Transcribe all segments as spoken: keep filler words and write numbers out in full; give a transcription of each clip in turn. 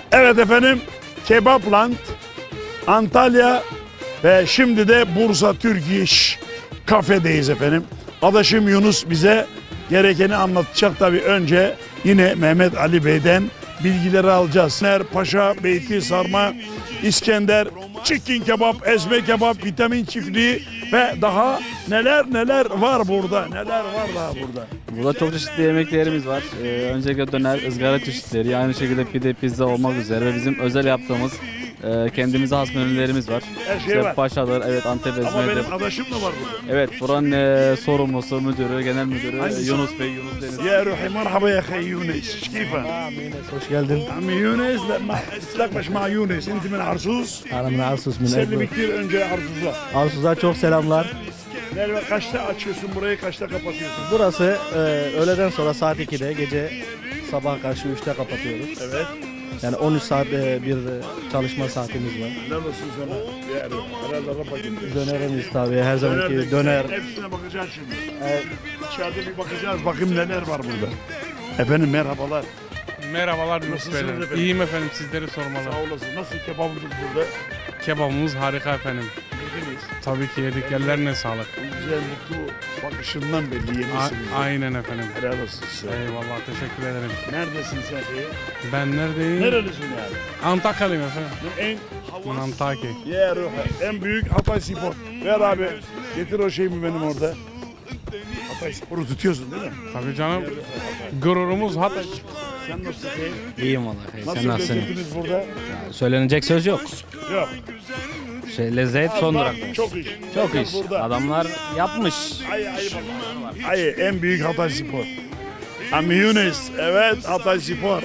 Evet efendim, Kebapland, Antalya ve şimdi de Bursa Türk İş kafedeyiz efendim. Adaşım Yunus bize gerekeni anlatacak. Tabii önce yine Mehmet Ali Bey'den bilgileri alacağız. Ner, paşa, beyti, sarma, İskender, chicken kebap, ezme kebap, vitamin çiftliği ve daha neler neler var burada. Neler var daha burada. Burada çok çeşitli yemeklerimiz var. Ee, öncelikle döner, ızgara çeşitleri, aynı şekilde pide, pizza olmak üzere ve bizim özel yaptığımız e, kendimize has menülerimiz var. Her şey İşte var. Paşadır, evet Antep Ama ezmedir. benim adaşım da var burada. Evet, buranın e, sorumlusu, müdürü, genel müdürü Hangisi? Yunus Bey, Yunus Deniz. يا روحي مرحبا يا اخي يونس كيفك؟ Hoş geldin. عمي يونس لا ما تتلاقش مع يونس انت من عرسوس Hanımın Arsus سلمي Münevver. كثير önce Arsuz'a. Arsus'a çok selamlar. Merve kaçta açıyorsun burayı, kaçta kapatıyorsun? Burası e, öğleden sonra saat ikide, gece sabah karşı üçte kapatıyoruz. Evet. Yani on üç saat e, bir e, çalışma saatimiz var. Neredesin sana? Yani herhalde Rafa gitti. Dönerimiz tabii her zamanki döner. Hepsine bakacağız şimdi. Evet. İçeride bir bakacağız. Bakayım neler var burada. Efendim merhabalar. Merhabalar Yunus Nasılsınız Beyler. efendim? İyiyim efendim, sizleri sormalı. Sağ olasın. Nasıl kebabınız burada? Kebabımız harika efendim. Yediniz. Tabii ki yedik, ellerine sağlık. Güzel, mutlu bakışından belli A- yemişsiniz. aynen efendim. Helal olsun size. Eyvallah, teşekkür ederim. Neredesin sen peki? Ben neredeyim? Nerelisin yani? Antakyalıyım efendim. En Antakya. Ya Ruhi, en büyük Hatay Spor. Ver abi, getir o şeyimi benim orada. Hatay Spor'u tutuyorsun değil mi? Tabii canım. Gururumuz Hatay. Sen nasılsın? Şey? İyiyim vallahi. Nasıl Sen nasılsın? lezzetiniz burada? Söylenecek söz yok. Yok. Şey, lezzet son Bak, durakta. çok iş. Çok Bak iş. Burada. Adamlar yapmış. Ay ay baba. Ay en büyük Hatay Spor. Ami Yunus, evet Hatay Spor.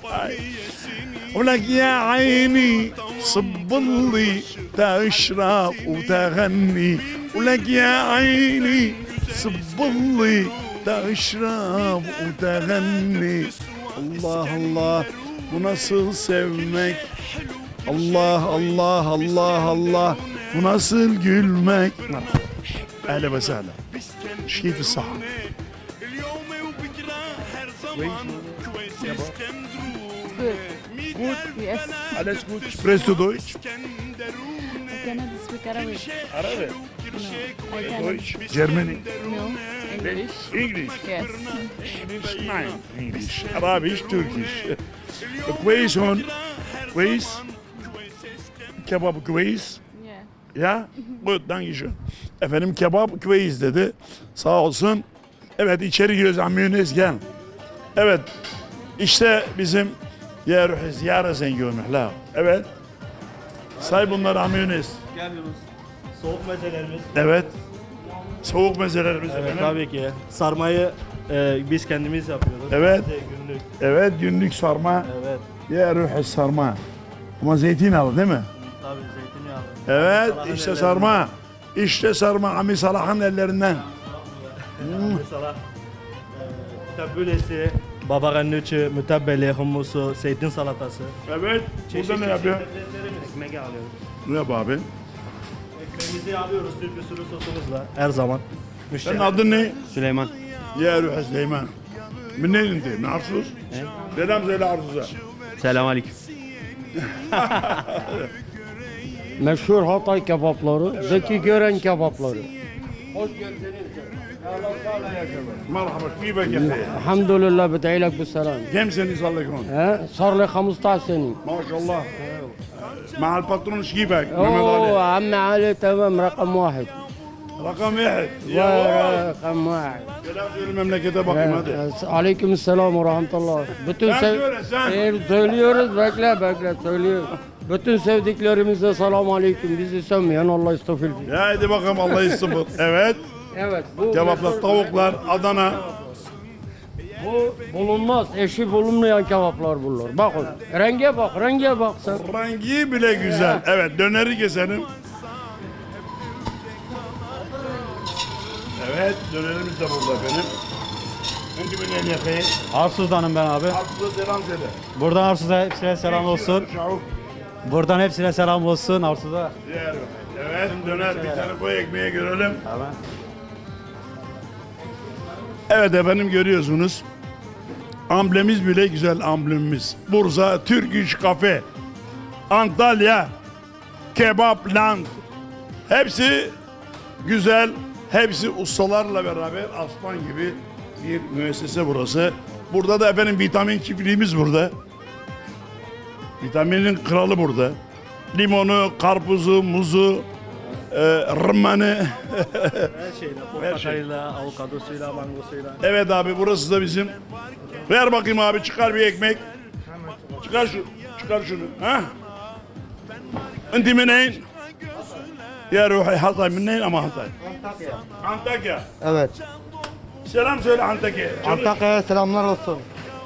ولك يا عيني صب لي تشرب وتغني ولك يا عيني صب لي تشرب وتغني Allah Allah, bu nasıl sevmek? Allah Allah Allah Allah, bu nasıl gülmek? Ehle ve sehla. Şifi saha. Gut, Yes, alles gut. Sprichst du Deutsch? I cannot speak Arabic. Arabic, No, I cannot. Deutsch, Germany, No, English. English. Yes. English, nein, English, Arabisch, Türkisch. كويس هون كويس kebap كويس Yeah. ya gut danke schön. Efendim kebap كويس dedi, sağ olsun. Evet, içeri giriyoruz. Amiyonez gel. Evet, işte bizim ya ruhi ziyare zengin la. Evet, say bunları amiyonez. Gel Yunus. Soğuk mezelerimiz. Evet, soğuk mezelerimiz Evet efendim. tabii ki. Sarmayı e, biz kendimiz yapıyoruz. Evet. Bize günlük. Evet, günlük sarma. Evet. Ya ruhi sarma. Ama zeytinyağlı değil mi? Tabii zeytinyağlı. Evet, Salah'ın işte ellerinden. sarma. İşte sarma Ami Salah'ın ellerinden. Mesela e, tabulesi, baba ganouşı, mütebbeli, hummusu, zeytin salatası. Evet, burada ne yapıyor? Lezzetlerimiz. Ekmeği alıyoruz. Ne yapıyor abi? Ekmeğimizi alıyoruz Türk usulü sosumuzla her zaman. Senin adın ne? Süleyman. Ya Ruhi Süleyman. Minneyin inti? Min Arsus? Selam söyle Arsus'a. Selam aleyküm. Meşhur Hatay kebapları, Zeki Gören kebapları. Merhaba, keyfek ya akhi? Elhamdülillah bed'ilek bisselam. Kim seni sallıkın? He? صار لي خمسطعش سنة. Maşallah. مع الباترون ايش كيفك؟ محمد اوه علي. عمي علي تمام رقم واحد. رقم واحد. يا واو. رقم واحد. Selam söyle memlekete bakayım hadi. Aleyküm selam ve rahmetullah. Bütün Sen sev... söyle sen. Ee, söylüyoruz bekle bekle söylüyoruz. Bütün sevdiklerimize selam aleyküm. Bizi sevmeyen Allah istafil. Ya hadi bakalım Allah istabır. Evet. Evet. Bu Kebaplar, tavuklar, Adana. Bu bulunmaz. Eşi bulunmayan kebaplar bunlar. Bakın. Renge bak, renge bak sen. Rengi bile güzel. Evet, döneri keselim. Evet, dönerimiz de burada efendim. Önce bir ne yapayım? Arsuz'danım ben abi. Aslında selam söyle. Buradan Arsuz'a hepsine selam olsun. Şavuk. Buradan hepsine selam olsun Arsuz'a. Diğer. Evet, döner bir tane koy ekmeğe görelim. Tamam. Evet efendim, görüyorsunuz. Amblemiz bile güzel amblemimiz. Bursa Türk İş Kafe. Antalya Kebap Land. Hepsi güzel. Hepsi ustalarla beraber aslan gibi bir müessese burası. Burada da efendim vitamin çiftliğimiz burada. Vitaminin kralı burada. Limonu, karpuzu, muzu, e, rımmanı. Her şeyle, Her portakalıyla, avokadosuyla, mangosuyla. Evet abi burası da bizim. Ver bakayım abi çıkar bir ekmek. Çıkar şu, çıkar şunu. Ha? Enti mineyn? Ya Ruhi Hatay mineyn ama Hatay. Antakya. Antakya. Evet. Selam söyle Antakya. Antakya'ya selamlar olsun.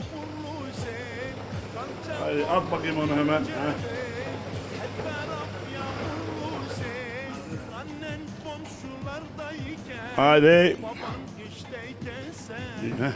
Hadi at bakayım onu hemen. Ha. Hadi. Heh.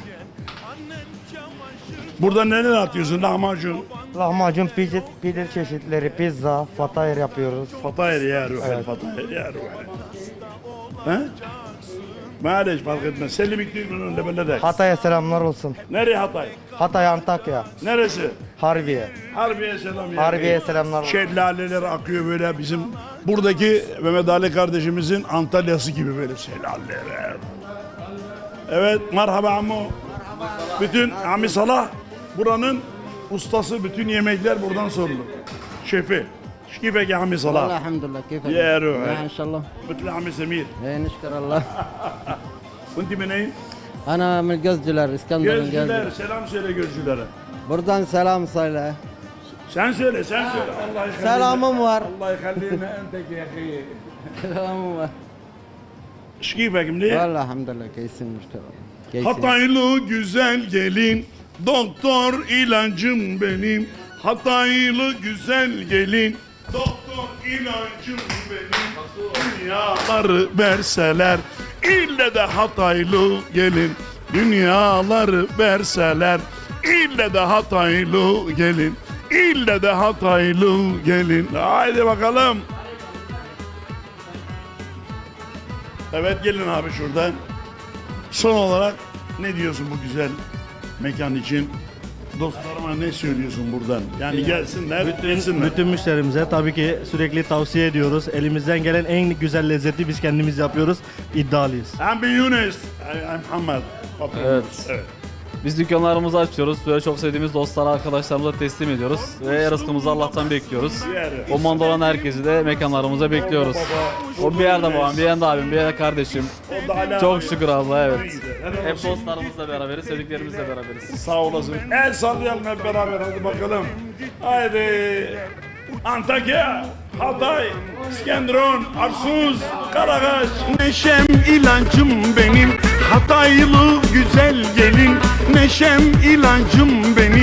Burada neler atıyorsun? Lahmacun. Lahmacun, pide, pide çeşitleri, pizza, fatayır yapıyoruz. Fatayır ya Ruhi. Evet. Fatayır ya Ruhi. Ha? Maalesef fark etmez. Selim İktidar'ın önünde böyle de. Hatay'a selamlar olsun. Nereye Hatay? Hatay, Antakya, Neresi? Harbiye. Harbiye selam ya. Harbiye'ye selamlar olsun. Şelaleler akıyor böyle bizim buradaki Mehmet Ali kardeşimizin Antalya'sı gibi böyle şelaleler. Evet merhaba ammo. Bütün Ami Salah buranın ustası, bütün yemekler buradan sorulur. Şefi. Keyfek ya Ami والله Salah. الحمد لله كيفك؟ يا روحي. ان شاء الله. Bütün Ami Semir. إيه نشكر الله. Kunti meneyim? انا من الجزجلر اسكندر من Gözcüler الجزجلر. selam söyle gözcülere. Buradan selam söyle. Sen söyle sen söyle. Allah yıkallina. Selamım var. Allah yıkallina entek ya akhi. Selamım var. Şkifek mli? والله الحمد لله كويسين نشكر الله. كويسين. Hataylı güzel gelin, doktor ilacım benim. Hataylı güzel gelin, doktor ilacım benim. Dünyaları verseler, ille de Hataylı gelin. Dünyaları verseler, ille de Hataylı gelin. İlle de Hataylı gelin. Haydi bakalım. Evet gelin abi şuradan. Son olarak ne diyorsun bu güzel mekan için? Dostlarıma ne söylüyorsun buradan? Yani gelsinler, gelsinler. Bütün müşterimize tabii ki sürekli tavsiye ediyoruz. Elimizden gelen en güzel lezzeti biz kendimiz yapıyoruz. İddialıyız. Ben bir Yunus. I'm Muhammed. Evet. Evet. Biz dükkanlarımızı açıyoruz. Böyle çok sevdiğimiz dostlara, arkadaşlarımıza teslim ediyoruz. Ve rızkımızı Allah'tan bekliyoruz. O manda olan herkesi de mekanlarımıza bekliyoruz. O bir yerde babam, bir yerde abim, bir yerde kardeşim. O da hala Çok şükür Allah'a evet. Helal Hep olsun. dostlarımızla beraberiz, sevdiklerimizle beraberiz. Sağ olasın. El sallayalım hep beraber hadi bakalım. Haydi. Antakya, Hatay, İskenderun, Arsuz, Karakaş. Neşem ilancım benim, Hataylı güzel gelin. Neşem ilancım benim.